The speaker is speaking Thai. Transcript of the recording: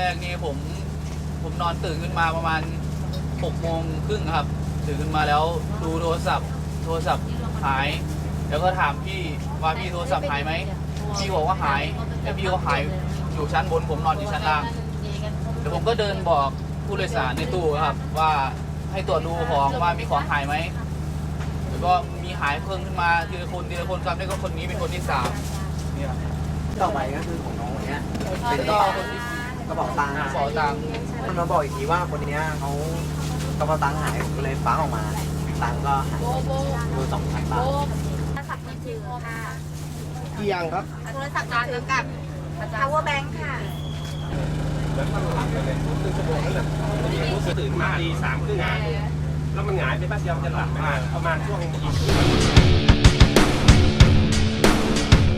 กนี่ผมนอนตื่นขึ้นมาประมาณ6:30ครับตื่นขึ้นมาแล้วดูโทรศัพท์หายแล้วก็ถามพี่ว่าพี่โทรศัพท์หายไหมพี่บอกว่าหายแต่พี่เขาหายอยู่ชั้นบนผมนอนอยู่ชั้นล่างเดี๋ยวผมก็เดินบอกผู้โดยสารในตู้ครับว่าให้ตรวจดูของว่ามีของหายไหมแล้วก็มีหายเพิ่มขึ้นมาทีละคนครับแล้วก็คนนี้เป็นคนที่3เนี่ยต่อไปก็คือของน้องคนเนี้ยเป็นแล้วก็คนที่กระเป๋าตังค์กระเป๋าตังค์มันมาบอกอีกทีว่าคนเนี้ยเขากระเป๋าตังค์หายผมก็เลยฟ้าออกมาตังค์ก็หายดู2,000 บาทโทรศัพท์มือถือค่ะกี่อย่างครับโทรศัพท์มือถือกับ power bank ค่ะตื่นมาตี 3:30แล้วมันหงายไปแป๊บเดียวจะหลับประมาณช่วงอีก